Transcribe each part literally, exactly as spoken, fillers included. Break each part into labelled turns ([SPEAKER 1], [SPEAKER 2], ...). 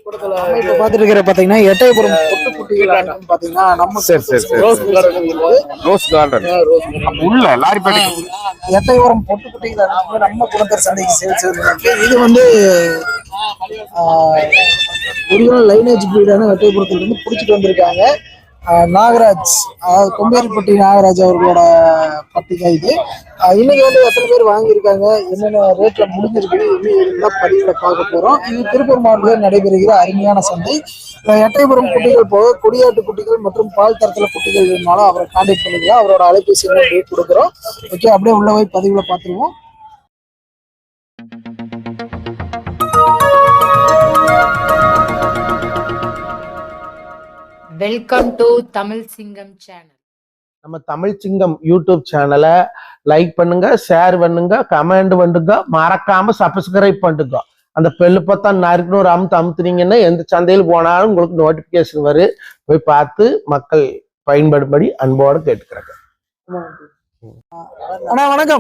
[SPEAKER 1] இப்ப பாத்துட்டு இருக்கிற பாத்தீங்கன்னா எட்டயபுரம் பொட்டுக்குட்டிகள் பாத்தீங்கன்னா நம்ம
[SPEAKER 2] ரோஸ் கார்டன் உள்ள லாரிப்பேட்டை
[SPEAKER 1] எட்டயபுரம் பொட்டுக்குட்டிகள் நம்ம குளத்தர் சந்தைக்கு சேல்ஸ் இருக்கு. இது வந்து ஒரிஜினல் லைனேஜ் பிரீடான எட்டயபுரத்துல இருந்து புடிச்சிட்டு வந்திருக்காங்க. நாகராஜ், அதாவது கொம்பேரிப்பட்டி நாகராஜ் அவர்களோட பட்டிகை இது. இன்னைக்கு வந்து எத்தனை பேர் வாங்கியிருக்காங்க, என்னென்ன ரேட்ல முடிஞ்சிருக்கு, இன்னும் பதிவுல பார்க்க போறோம். இது திருப்பூர் மாவட்டத்தில் நடைபெறுகிற அருமையான சந்தை. எட்டயபுரம் குட்டிகள் போக கொடியாட்டு குட்டிகள் மற்றும் பால் தரத்துல குட்டிகள் வேணுனாலும் அவரை கான்டாக்ட் பண்ணிக்கலாம். அவரோட அலைபேசி ரேட் கொடுக்குறோம். ஓகே, அப்படியே உள்ள போய் பதிவுல பார்த்துருவோம்.
[SPEAKER 3] வெல்கம் டு தமிழ் சிங்கம் சேனல்.
[SPEAKER 4] நம்ம தமிழ் சிங்கம் யூடியூப் சேனலை லைக் பண்ணுங்க, ஷேர் பண்ணுங்க, கமெண்ட் பண்ணுங்க, மறக்காம சப்ஸ்கிரைப் பண்ணுங்க. அந்த பெல்லு பார்த்தா நறுக்குன்னு ஒரு அமுத்து அமுத்துனீங்கன்னா எந்த சந்தையில் போனாலும் உங்களுக்கு நோட்டிபிகேஷன் வரும். போய் பார்த்து மக்கள் பயன்படும்படி அன்போடு கேட்டுக்கிறாங்க.
[SPEAKER 1] அண்ணா வணக்கம்.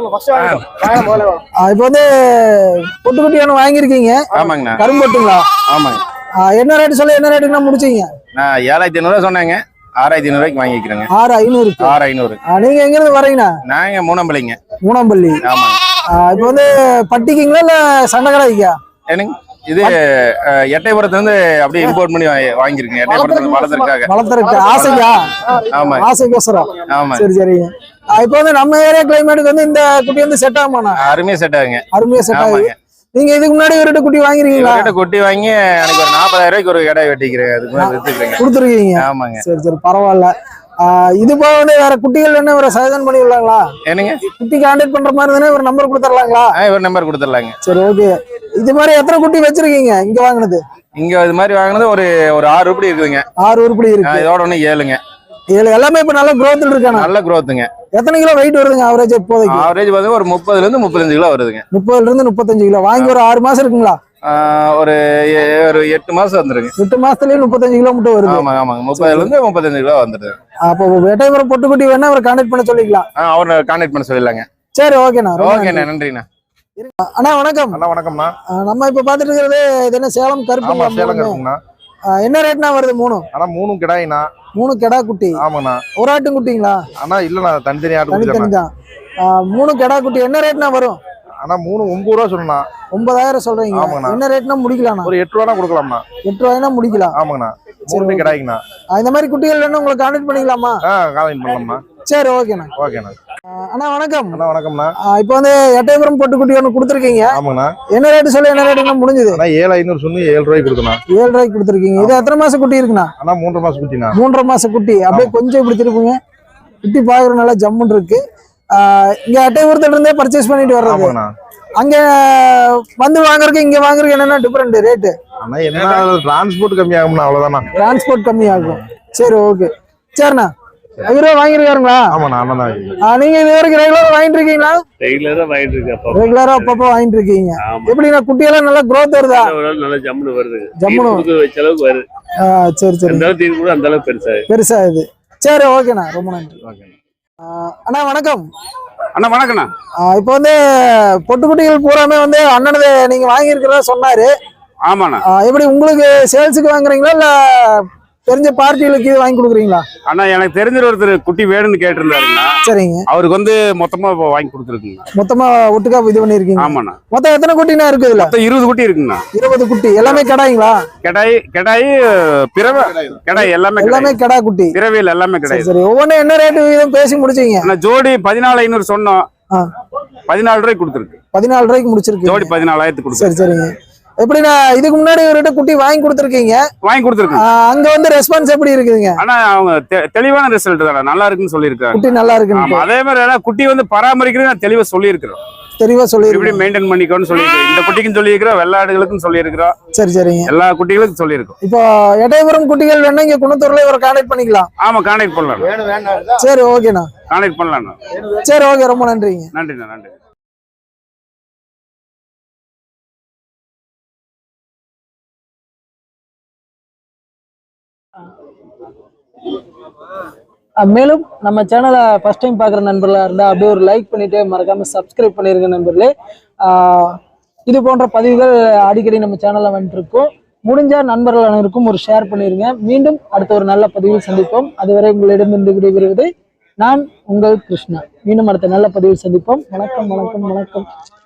[SPEAKER 1] இப்ப வந்து பொட்டுக்குட்டியான வாங்கிருக்கீங்க.
[SPEAKER 2] ஆமாங்கண்ணா.
[SPEAKER 1] கரும்பொட்டுங்களா?
[SPEAKER 2] ஆமாங்க.
[SPEAKER 1] என்ன ரேட்டு சொல்ல, என்ன ரேட்டுனா முடிச்சீங்க?
[SPEAKER 2] நான் ஏழாயிரத்தி ஐநூறு ரூபா சொன்னாங்க, ஆறாயிரத்தி ஐநூறு ரூபாய்க்கு வாங்கிக்கிறேங்க.
[SPEAKER 1] ஆறு ஐநூறு
[SPEAKER 2] ஆறு ஐநூறு.
[SPEAKER 1] நீங்க எங்க இருந்து வரீங்கண்ணா?
[SPEAKER 2] நாங்க மூணம்பள்ளிங்க.
[SPEAKER 1] மூணம்பள்ளி.
[SPEAKER 2] ஆமாங்க.
[SPEAKER 1] இப்ப வந்து பட்டிக்குங்களா இல்ல சண்டைக்கடைக்கா?
[SPEAKER 2] என்னங்க இது எட்டயபுரத்துல இருந்து அப்படியே இம்போர்ட் பண்ணி வாங்கிருக்கேன். எட்டயபுரத்துல வளர்த்துருக்காங்க.
[SPEAKER 1] வளர்த்துருக்கு ஆசையா?
[SPEAKER 2] ஆமா,
[SPEAKER 1] ஆசைக்கோசரம்.
[SPEAKER 2] ஆமா.
[SPEAKER 1] சரி சரிங்க. இப்ப வந்து நம்ம ஏரியா கிளைமேட்டுக்கு வந்து இந்த குட்டி வந்து செட் ஆகுமாண்ணா?
[SPEAKER 2] அருமையா செட் ஆகுங்க.
[SPEAKER 1] அருமையா செட் ஆகுங்க. நீங்க இதுக்கு முன்னாடி ஒரு குட்டி வாங்கிருக்கீங்களா?
[SPEAKER 2] குட்டி வாங்கி எனக்கு ஒரு நாற்பதாயிரம் ரூபாய்க்கு ஒரு கடை வெட்டிக்கிறேன். அதுக்கு
[SPEAKER 1] கொடுத்துருக்கீங்க.
[SPEAKER 2] ஆமாங்க.
[SPEAKER 1] சரி சரி, பரவாயில்ல. இது போக வந்து வேற குட்டிகள் என்ன ஒரு சஜன் பண்ணி விடலாங்களா?
[SPEAKER 2] என்னங்க
[SPEAKER 1] குட்டி கான்டாக்ட் பண்ற மாதிரி தானே ஒரு நம்பர் கொடுத்துடலாங்களா?
[SPEAKER 2] ஒரு நம்பர் கொடுத்துடலாங்க.
[SPEAKER 1] சரி ஓகே. இது மாதிரி எத்தனை குட்டி வச்சிருக்கீங்க இங்க வாங்கினது?
[SPEAKER 2] இங்க இது மாதிரி வாங்கினது ஒரு ஒரு ஆறு உருப்படி இருக்குதுங்க.
[SPEAKER 1] ஆறு உருப்படி இருக்கு.
[SPEAKER 2] இதோட ஒண்ணு ஏழுங்க.
[SPEAKER 1] ஏழு எல்லாமே இப்ப நல்ல growth இருக்கானே?
[SPEAKER 2] நல்ல growthங்க.
[SPEAKER 1] எத்தனை கிலோ வெயிட் வருதுங்க ஆவரேஜ் இப்போதைக்கு?
[SPEAKER 2] ஆவரேஜ் வந்து ஒரு முப்பதுல இருந்து முப்பத்தஞ்சு கிலோ வருதுங்க.
[SPEAKER 1] முப்பதுல இருந்து முப்பத்தஞ்சு கிலோ வாங்கி ஒரு ஆறு மாசம் இருக்குங்களா?
[SPEAKER 2] ஒரு ஒரு எட்டு மாசம் வந்துருங்க.
[SPEAKER 1] எட்டு மாசத்துலயே முப்பத்தஞ்சு கிலோ மட்டும் வருது.
[SPEAKER 2] ஆமா ஆமாங்க. முப்பதுல இருந்து முப்பத்தஞ்சு கிலோ வந்துருது.
[SPEAKER 1] அப்போ எட்டயபுரம் பொட்டுக்குட்டி வேணா அவரை கான்டாக்ட் பண்ண சொல்லிக்கலாம்.
[SPEAKER 2] அவரை கான்டாக்ட் பண்ண சொல்லிடலாங்க.
[SPEAKER 1] சரி ஓகேண்ணா.
[SPEAKER 2] ஓகேண்ணா, நன்றிண்ணா.
[SPEAKER 1] அண்ணா வணக்கம்.
[SPEAKER 2] அண்ணா வணக்கம்ண்ணா.
[SPEAKER 1] நம்ம இப்ப பாத்துட்டு இருக்கிறது இது என்ன சேலம் கருப்பு?
[SPEAKER 2] சேலம் கருப்புண்ணா.
[SPEAKER 1] என்ன ரேட்னா வருது? மூணு
[SPEAKER 2] ஆனா மூணும் கிடாயினா?
[SPEAKER 1] மூணு கிடா குட்டி.
[SPEAKER 2] ஆமாண்ணா.
[SPEAKER 1] ஒரு ஆட்டு குட்டிங்களா?
[SPEAKER 2] அண்ணா இல்லண்ணா, தனித்தனி ஆட்டு குட்டி
[SPEAKER 1] தான். மூணு கிடா குட்டி என்ன ரேட்னா வரும்?
[SPEAKER 2] ஆனா மூணு ஒன்பது ரூபா சொல்லணும்ண்ணா.
[SPEAKER 1] ஒன்பதாயிரம் சொல்றீங்க. என்ன ரேட்னா முடிக்கலாம்ண்ணா? ஒரு
[SPEAKER 2] எட்டு ரூபா கொடுக்கலாம்ண்ணா.
[SPEAKER 1] எட்டு ரூபாய்னா முடிக்கலாம்.
[SPEAKER 2] ஆமாங்கண்ணா. மூணு கிடாய்ங்கண்ணா.
[SPEAKER 1] இந்த மாதிரி குட்டிகள் வேணும் உங்களுக்கு கான்டாக்ட் பண்ணிக்கலாமா?
[SPEAKER 2] கான்டாக்ட் பண்ணலாம்ண்ணா.
[SPEAKER 1] சரி ஓகேண்ணா.
[SPEAKER 2] ஓகேண்ணா.
[SPEAKER 1] அண்ணா வணக்கம்.
[SPEAKER 2] அண்ணா வணக்கம்ண்ணா.
[SPEAKER 1] இப்போ வந்து எட்டயபுரம் பொட்டுக்குட்டி ஒன்று கொடுத்துருக்கீங்க.
[SPEAKER 2] ஆமாண்ணா.
[SPEAKER 1] என்ன ரேட்டு சொல்லி என்ன ரேட்டுனா முடிஞ்சது?
[SPEAKER 2] ஏழு ஐநூறு சொல்லி ஏழு ரூபாய்க்கு கொடுக்கணும்.
[SPEAKER 1] ஏழு ரூபாய்க்கு கொடுத்துருக்கீங்க. இது எத்தனை மாசம் குட்டி இருக்குண்ணா?
[SPEAKER 2] அண்ணா மூன்றரை மாசம் குட்டிண்ணா.
[SPEAKER 1] மூன்றரை மாசம் குட்டி. அப்படியே கொஞ்சம் இப்படி திருப்புங்க. குட்டி பாக்குற நல்லா ஜம்முன்னு இருக்கு. இங்க எட்டயபுரத்துல இருந்தே பர்ச்சேஸ் பண்ணிட்டு வர்றது. அங்க வந்து வாங்குறதுக்கு இங்க வாங்குறதுக்கு என்னன்னா டிஃபரெண்ட் ரேட்டு?
[SPEAKER 2] அண்ணா என்ன டிரான்ஸ்போர்ட் கம்மியாகும்ண்ணா, அவ்வளவுதானா?
[SPEAKER 1] டிரான்ஸ்போர்ட் கம்மியாகும். சரி ஓகே. சரிண்ணா. ஐநூறு ரூபா வாங்கிருக்காருங்களா?
[SPEAKER 2] ஆமாண்ணா.
[SPEAKER 1] நீங்க இது வரைக்கும் ரெகுலரா வாங்கிட்டு இருக்கீங்களா?
[SPEAKER 5] ரெகுலரா வாங்கிட்டு இருக்கேன்.
[SPEAKER 1] ரெகுலரா அப்பப்போ வாங்கிட்டு இருக்கீங்க. எப்படின்னா குட்டியெல்லாம் நல்லா growth வருதா?
[SPEAKER 5] நல்லா ஜம்முன்னு வருது.
[SPEAKER 1] ஜம்முன்னு
[SPEAKER 5] வச்ச அளவுக்கு வருது.
[SPEAKER 1] சரி சரி.
[SPEAKER 5] அந்த அளவுக்கு கூட அந்த அளவுக்கு பெருசா
[SPEAKER 1] பெருசா இது. சரி ஓகேண்ணா, ரொம்ப நன்றி. அண்ணா வணக்கம்.
[SPEAKER 5] அண்ணா வணக்கண்ணா.
[SPEAKER 1] இப்போ வந்து பொட்டுக்குட்டிகள் பூராமே வந்து அண்ணனது நீங்க வாங்கி இருக்கிறதா சொன்னாரு.
[SPEAKER 5] ஆமாண்ணா.
[SPEAKER 1] எப்படி உங்களுக்கு சேல்ஸுக்கு வாங்குறீங்களா இல்ல தெரிஞ்ச பார்ட்டிகளுக்கு இது வாங்கி கொடுக்குறீங்களா?
[SPEAKER 5] அண்ணா எனக்கு தெரிஞ்ச ஒருத்தர் குட்டி வேணும்னு கேட்டிருந்தாருண்ணா.
[SPEAKER 1] சரிங்க. அவருக்கு
[SPEAKER 5] வந்து மொத்தமா வாங்கி கொடுத்துருக்குங்க.
[SPEAKER 1] மொத்தமா ஒட்டுக்கா இது பண்ணிருக்கீங்க?
[SPEAKER 5] ஆமாண்ணா.
[SPEAKER 1] மொத்தம் எத்தனை குட்டினா இருக்கு இதுல?
[SPEAKER 5] இருபது குட்டி இருக்குங்கண்ணா.
[SPEAKER 1] இருபது குட்டி எல்லாமே கடாய்ங்களா?
[SPEAKER 5] கடாய் கடாய் பிறவை கடாய் எல்லாமே
[SPEAKER 1] எல்லாமே கடா குட்டி.
[SPEAKER 5] பிறவையில் எல்லாமே கடாய்.
[SPEAKER 1] சரி, ஒவ்வொன்றும் என்ன ரேட்டு வீதம் பேசி முடிச்சீங்க?
[SPEAKER 5] ஜோடி பதினாலு ஐநூறு சொன்னோம். பதினாலு ரூபாய்க்கு கொடுத்துருக்கு. பதினாலு
[SPEAKER 1] ரூபாய்க்கு முடிச்சிருக்கு.
[SPEAKER 5] ஜோடி பதினாலாயிரத்துக்கு கொடுத்து.
[SPEAKER 1] சரி சரிங்க. எப்படின்னா இதுக்கு முன்னாடி ஒரு குட்டி வாங்கி கொடுத்துருக்கீங்க?
[SPEAKER 5] வாங்கி கொடுத்துருக்கேன்.
[SPEAKER 1] அங்க வந்து ரெஸ்பான்ஸ் எப்படி இருக்குதுங்க?
[SPEAKER 5] ஆனா அவங்க தெளிவான ரிசல்ட் தானே, நல்லா இருக்குன்னு சொல்லியிருக்காங்க.
[SPEAKER 1] குட்டி நல்லா இருக்கு.
[SPEAKER 5] அதே மாதிரி குட்டி வந்து பராமரிக்கிறது நான் தெளிவா சொல்லியிருக்கிறோம்.
[SPEAKER 1] தெளிவா சொல்லி
[SPEAKER 5] எப்படி மெயின்டைன் பண்ணிக்கோன்னு சொல்லியிருக்கோம். இந்த குட்டிக்கும் சொல்லியிருக்கிறோம், வெள்ளாடுகளுக்கும் சொல்லியிருக்கிறோம்.
[SPEAKER 1] சரி சரிங்க.
[SPEAKER 5] எல்லா குட்டிகளுக்கும் சொல்லியிருக்கோம்.
[SPEAKER 1] இப்போ எட்டயபுரம் குட்டிகள் வேணா இங்க குணத்தூர்ல ஒரு கான்டாக்ட் பண்ணிக்கலாம்.
[SPEAKER 5] ஆமா, கான்டாக்ட் பண்ணலாம்.
[SPEAKER 1] சரி ஓகேண்ணா.
[SPEAKER 5] கான்டாக்ட் பண்ணலாம்.
[SPEAKER 1] சரி ஓகே, ரொம்ப நன்றிங்க.
[SPEAKER 5] நன்றிண்ணா. நன்றி.
[SPEAKER 1] மேலும் நம்ம சேனலை ஃபர்ஸ்ட் டைம் பார்க்குற நண்பர்களாக இருந்தால் அப்படியே ஒரு லைக் பண்ணிட்டு மறக்காம சப்ஸ்கிரைப் பண்ணிருங்க நண்பர்களே. இது போன்ற பதிவுகள் அடிக்கடி நம்ம சேனலில் வந்துட்டு இருக்கோம். முடிஞ்ச நண்பர்கள் அனைவருக்கும் ஒரு ஷேர் பண்ணிருங்க. மீண்டும் அடுத்த ஒரு நல்ல பதிவில் சந்திப்போம். அதுவரை உங்களிடமிருந்து விடைபெறுவது நான் உங்கள் கிருஷ்ணா. மீண்டும் அடுத்த நல்ல பதிவில் சந்திப்போம். வணக்கம் வணக்கம் வணக்கம்.